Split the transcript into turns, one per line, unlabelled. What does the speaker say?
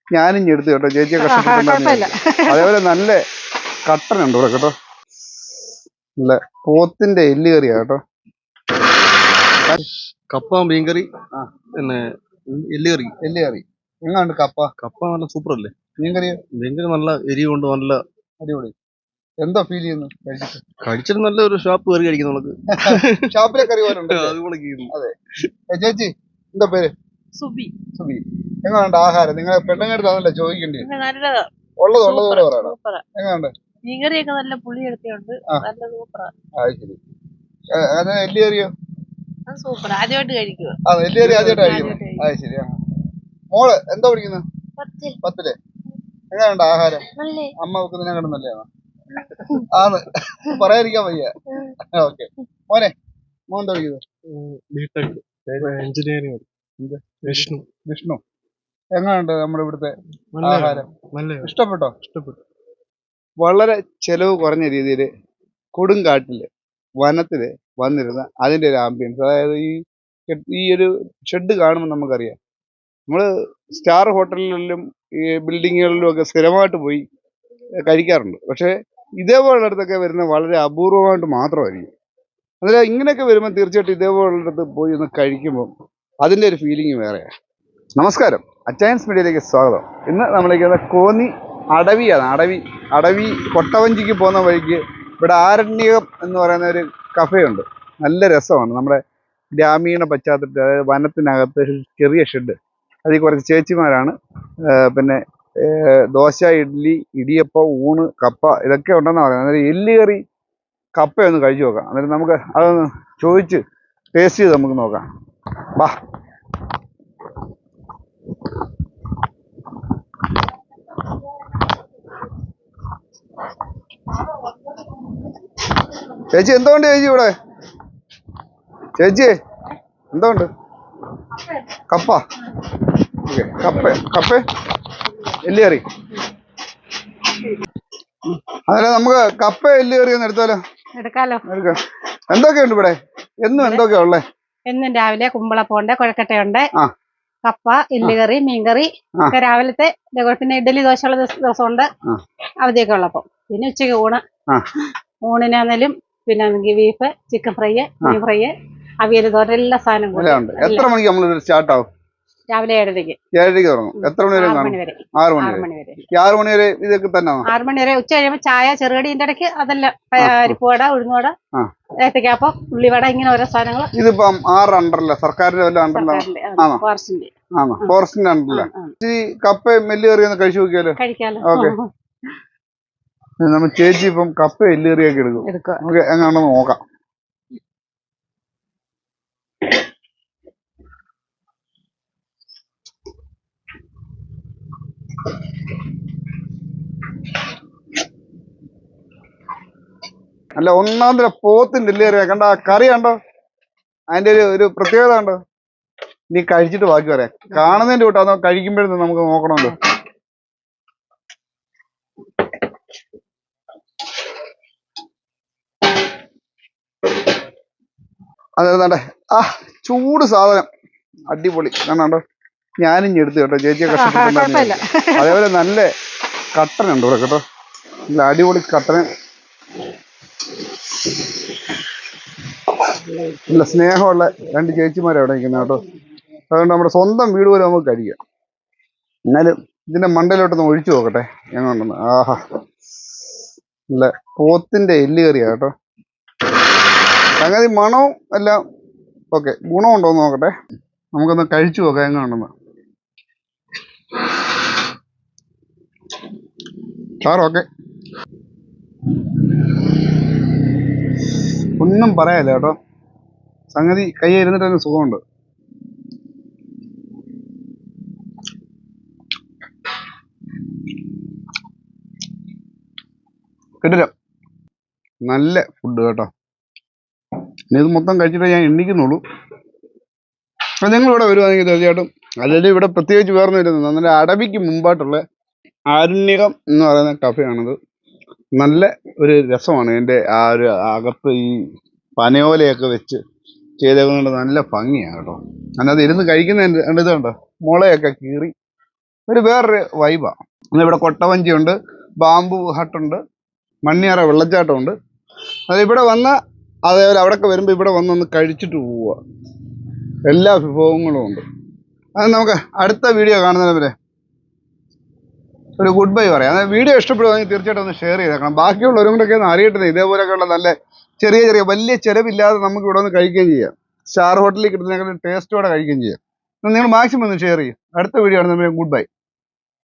ഞാനും എടുത്തു കേട്ടോ, ചേച്ചിയെ കഷ്ടപ്പെട്ടുണ്ടായിരുന്നു. അതേപോലെ നല്ല കട്ടനുണ്ട് ഇവിടെ കേട്ടോ, നല്ല പോത്തിന്റെ എല്ല് കറിയാ കേട്ടോ.
കപ്പ മീൻകറി, പിന്നെ എല്ലുകറി.
എങ്ങാണ്ട്
കപ്പ നല്ല സൂപ്പർ അല്ലേ?
മീൻകറി
നല്ല എരിവുണ്ട്, നല്ല
അടിപൊളി. എന്താ ഫീൽ ചെയ്യുന്നു
കഴിച്ചിട്ട്? നല്ലൊരു ഷോപ്പ് കയറി കഴിക്കുന്നു നമുക്ക്.
ഷോപ്പിലെ കറി പോലെ
അതുപോലെ.
അതെ. ചേച്ചി എന്താ പേര്?
സുബി.
എങ്ങാണ്ട് ആഹാരം നിങ്ങളെ പെണ്ണുങ്ങടുത്ത് അതല്ലേ ചോദിക്കേണ്ടി?
നല്ലതാ,
ഉള്ളതുപോലെ പറയണം. എങ്ങാണ്ട്
മീൻകറിയൊക്കെ നല്ല പുളിയൊക്കെയുണ്ട്, നല്ല സൂപ്പറാ.
ശരി. എല്ല് കറിയോ?
സൂപ്പർ, ആദ്യമായിട്ട് കഴിക്കുക.
എല്ല് കറി ആദ്യമായിട്ട് കഴിക്കുന്നു. അത് ശരി. മോള് എന്താ പഠിക്കുന്നത്? 10ല്. എങ്ങനെയുണ്ട് ആഹാരം? അമ്മ വെക്കുന്നതിനെക്കാളും നല്ലതാണോ? ആണ്, പറയാതിരിക്കാൻ വയ്യ. ഓക്കെ. മോൻ എന്താ പഠിക്കുന്നത്?
എഞ്ചിനീയറിംഗ്.
വിഷ്ണു. എങ്ങനെയുണ്ട് നമ്മുടെ ഇവിടുത്തെ ആഹാരം? ഇഷ്ടപ്പെട്ടോ? വളരെ ചെലവ് കുറഞ്ഞ രീതിയിൽ കൊടുങ്കാട്ടില് വനത്തില് വന്നിരുന്ന അതിന്റെ ഒരു ആംബിയൻസ്, അതായത് ഈ ഒരു ഷെഡ് കാണുമ്പോൾ നമുക്കറിയാം, നമ്മള് സ്റ്റാർ ഹോട്ടലുകളിലും ഈ ബിൽഡിങ്ങുകളിലും ഒക്കെ സ്ഥിരമായിട്ട് പോയി കഴിക്കാറുണ്ട്. പക്ഷെ ഇതേപോലുള്ളടത്തൊക്കെ വരുന്ന വളരെ അപൂർവമായിട്ട് മാത്രമായിരിക്കും. അതായത് ഇങ്ങനെയൊക്കെ വരുമ്പോൾ തീർച്ചയായിട്ടും ഇതേപോലുള്ളടത്ത് പോയി ഒന്ന് കഴിക്കുമ്പോൾ അതിൻ്റെ ഒരു ഫീലിംഗ് വേറെയാണ്. നമസ്കാരം, അച്ചയൻസ് മീഡിയയിലേക്ക് സ്വാഗതം. ഇന്ന് നമ്മളിരിക്കുന്ന കോന്നി അടവിയാണ്. അടവി കൊട്ടവഞ്ചിക്ക് പോകുന്ന വഴിക്ക് ഇവിടെ ആരണ്യകം എന്ന് പറയുന്ന ഒരു കഫേയുണ്ട്. നല്ല രസമാണ്. നമ്മുടെ ഗ്രാമീണ പശ്ചാത്തലത്തിൽ, അതായത് വനത്തിനകത്ത് ചെറിയ ഷെഡ്, അതിൽ കുറച്ച് ചേച്ചിമാരാണ്. പിന്നെ ദോശ, ഇഡ്ഡലി, ഇടിയപ്പം, ഊണ്, കപ്പ ഇതൊക്കെ ഉണ്ടെന്ന് പറയുന്നത്. അന്നേരം എല്ല് കറി കപ്പയൊന്ന് കഴിച്ചു നോക്കാം. അന്നേരം നമുക്ക് അതൊന്ന് ചോദിച്ച് ടേസ്റ്റ് ചെയ്ത് നമുക്ക് നോക്കാം. വാ. ചേച്ചി എന്തുകൊണ്ട് ചേച്ചി ഇവിടെ? ചേച്ചി എന്തുകൊണ്ട്? കപ്പ. ഓക്കെ, കപ്പ എല്ല് കറി. അന്നേരം നമുക്ക് കപ്പ എല്ല് കറി ഒന്ന് എടുത്താലോ? എടുക്കാം. എന്തൊക്കെയുണ്ട് ഇവിടെ? എന്നും എന്തൊക്കെയാ ഉള്ളേ? എന്നും
രാവിലെ കുമ്പളപ്പമുണ്ട്, കുഴക്കട്ടയുണ്ട്, കപ്പ, എല്ലുകറി, മീൻകറി ഒക്കെ രാവിലത്തെ. പിന്നെ ഇഡ്ഡലി, ദോശയുള്ള ദിവസമുണ്ട്, അവധിയൊക്കെ ഉള്ളപ്പം. പിന്നെ ഉച്ചയ്ക്ക് ഊണിനാന്നേലും പിന്നെ ബീഫ്, ചിക്കൻ ഫ്രൈ, മീൻ ഫ്രൈ, അവിയൽ, തോരൻ, എല്ലാ സാധനങ്ങളും.
എത്ര മണിക്ക് നമ്മൾ സ്റ്റാർട്ട് ആവും?
രാവിലെ 7:30
തുടങ്ങും. എത്ര മണി വരെ? 6 മണി വരെ. 6 മണി വരെ ഇതൊക്കെ തന്നെ?
6 മണി വരെ. ഉച്ച കഴിയുമ്പോൾ ചായ, ചെറുകടിന്റെ ഇടയ്ക്ക് അതെല്ലാം. പരിപ്പുവട, ഉഴുന്നുവട, ഏത്തക്കാപ്പം, ഉള്ളിവട, ഇങ്ങനെ ഓരോ സാധനങ്ങൾ.
ഇതിപ്പം 6 അണ്ടറല്ല, സർക്കാരിന്റെ വല്ല അണ്ടറിലാണ്? ഫോറസ്റ്റിന്റെ അണ്ടറില്ല. ഈ കപ്പയും എല്ല് കറി ഒന്ന് കഴിച്ചു നോക്കിയാലോ? ഓക്കെ. നമ്മൾ ചേച്ചി ഇപ്പം കപ്പ എല്ല് കറിയൊക്കെ എടുക്കും. നമുക്ക് എങ്ങനെയാണെന്ന് നോക്കാം. അല്ല, ഒന്നാമത്തെ പോത്തിന്റെ എല്ല് കറിയാ. കണ്ട കറി കണ്ടോ? അതിന്റെ ഒരു പ്രത്യേകത കണ്ടോ? നീ കഴിച്ചിട്ട് ബാക്കി പറയാം. കാണുന്നതിന്റെ കൂട്ടാന്നോ കഴിക്കുമ്പോഴേ നമുക്ക് നോക്കണമല്ലോ. അതെ, ചൂട് സാധനം അടിപൊളി. കണ്ടോ? ഞാനും എടുത്തു കേട്ടോ, ചേച്ചിയെ കഷ്ടപ്പെട്ടുണ്ടായിരുന്നു. അതേപോലെ നല്ല കട്ടനുണ്ട് ഇവിടെ കേട്ടോ, നല്ല അടിപൊളി കട്ടന്. നല്ല സ്നേഹമുള്ള 2 ചേച്ചിമാരെ അവിടെ നിൽക്കുന്നത് കേട്ടോ. അതുകൊണ്ട് നമ്മുടെ സ്വന്തം വീട് പോലെ നമുക്ക് കഴിക്കാം. എന്നാലും ഇതിന്റെ മണ്ടയിലോട്ടൊന്ന് ഒഴിച്ചു നോക്കട്ടെ എങ്ങനെയുണ്ടെന്ന്. ആഹാ, നല്ല പോത്തിന്റെ എല്ല് കറിയാ കേട്ടോ. സംഗതി മണവും എല്ലാം ഓക്കെ. ഗുണമുണ്ടോന്ന് നോക്കട്ടെ, നമുക്കൊന്ന് കഴിച്ചു നോക്കാം എങ്ങനെയുണ്ടെന്ന്. ഓക്കെ, ഒന്നും പറയാല്ല കേട്ടോ. സംഗതി കൈ ഇരുന്നിട്ട് തന്നെ സുഖമുണ്ട്. കിട്ടില്ല, നല്ല ഫുഡ് കേട്ടോ. ഇനി ഇത് മൊത്തം കഴിച്ചിട്ടേ ഞാൻ എണ്ണിക്കുന്നുള്ളൂ. അപ്പം നിങ്ങൾ ഇവിടെ വരുവാണെങ്കിൽ തീർച്ചയായിട്ടും, അല്ലെങ്കിൽ ഇവിടെ പ്രത്യേകിച്ച് വേറൊന്നും ഇരുന്നു. നല്ല അടവിക്ക് മുമ്പായിട്ടുള്ള ആരണ്യകം എന്ന് പറയുന്ന കഫയാണിത്. നല്ല ഒരു രസമാണ് ഇതിൻ്റെ ആ ഒരു അകത്ത് ഈ പനയോലയൊക്കെ വെച്ച് ചെയ്തേക്കുന്നത്. നല്ല ഭംഗിയാണ് കേട്ടോ. അതിനകത്ത് ഇരുന്ന് കഴിക്കുന്ന ഇതുണ്ടോ, മുളയൊക്കെ കീറി ഒരു വേറൊരു വൈബാണ്. ഇവിടെ കൊട്ടവഞ്ചിയുണ്ട്, ബാംബു ഹട്ടുണ്ട്, മണ്ണിയാറ വെള്ളച്ചാട്ടമുണ്ട്. അത് ഇവിടെ വന്ന് അതേപോലെ അവിടെയൊക്കെ വരുമ്പോൾ ഇവിടെ വന്നൊന്ന് കഴിച്ചിട്ട് പോവുക. എല്ലാ വിഭവങ്ങളും ഉണ്ട്. അത് നമുക്ക് അടുത്ത വീഡിയോ കാണുന്നവരെ ഒരു ഗുഡ് ബൈ പറയാം. അതായത് വീഡിയോ ഇഷ്ടപ്പെടുവാണെങ്കിൽ തീർച്ചയായിട്ടും ഒന്ന് ഷെയർ ചെയ്തേക്കണം. ബാക്കിയുള്ളവരും കൂടെയൊക്കെ ഒന്ന് അറിയട്ടെ ഇതേപോലെയൊക്കെയുള്ള നല്ല ചെറിയ ചെറിയ വലിയ ചിലവില്ലാതെ നമുക്ക് ഇവിടെ ഒന്ന് കഴിക്കുകയും ചെയ്യാം. സ്റ്റാർ ഹോട്ടലിൽ കിട്ടുന്നതിനേക്കാൾ ടേസ്റ്റോടെ കഴിക്കുകയും ചെയ്യാം. നിങ്ങൾ മാക്സിമം ഒന്ന് ഷെയർ ചെയ്യും. അടുത്ത വീഡിയോ ആണ് നമ്മൾ ഗുഡ് ബൈ.